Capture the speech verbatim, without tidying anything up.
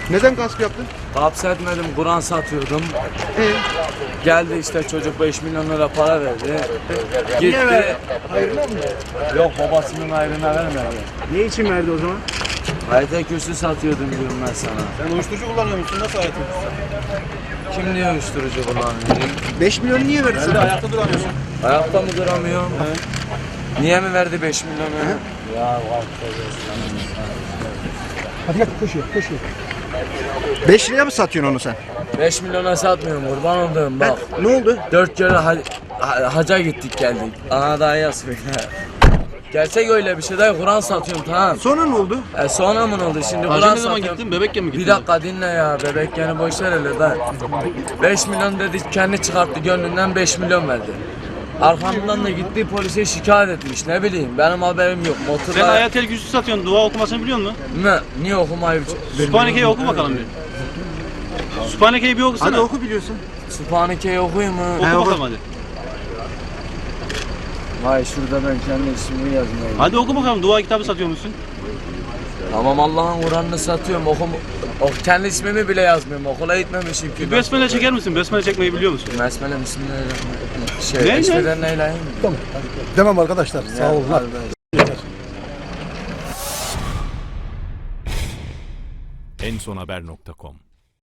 Neden gasp yaptın? Hapsetmedim, Kur'an satıyordum. Ee, Geldi işte çocuk beş milyon lira para verdi. Gitti. Hayırlı mı? Yok, babasının ayrına vermedi. Ne için verdi o zaman? Hayata kürsü satıyordum diyorum ben sana. Sen uyuşturucu kullanıyor musun? Nasıl hayatın? Kim diyor uyuşturucu kullanıyor? beş milyon niye verdi Sen de sana? ayakta duramıyorsun. Ayakta mı duramıyorum? Niye mi verdi beş milyonu? Ya var. Hadi gel koşuyor koşuyor. beş liraya mı satıyorsun onu sen? beş milyona satmıyorum, kurban olduğum bak. Ne oldu? Dört kere ha ha- haca gittik geldik. Ana daha yazmıyor. Gerçek öyle bir şey değil, Kur'an satıyorum tamam. Sonra ne oldu? E sonra mı ne oldu şimdi Hacı Kur'an ne zaman satıyorum. gittin? Bebekken mi gittin? Bir dakika dinle ya, bebek yani boş ver hele da. beş milyon dedi, kendi çıkarttı gönlünden, beş milyon verdi. Arkamdan da gitti polise şikayet etmiş, ne bileyim benim haberim yok. Sen Motorla hayat el güçlü satıyorsun. Dua okumasını biliyor musun? ne? Niye okumayı Sübhaneke'yi oku bakalım bir. Sübhaneke'yi bir okusana. Hadi oku biliyorsun. Sübhaneke'yi okuyayım mı? Oku He, oku. bakalım hadi. Vay şurada ben kendi ismimi yazmayayım. Hadi oku bakalım. Dua kitabı satıyor musun? Tamam, Allah'ın Kur'an'ını satıyorum, okum, o, kendi ismimi bile yazmıyorum, okula gitmemişim ki. Bir besmele çeker misin? Besmele çekmeyi biliyor musun? Besmele bismillahirrahmanirrahim. Şey, Ne, ne? eşveden neyleyim mi? Tamam. Demem arkadaşlar. Sağ olun. en son haber nokta com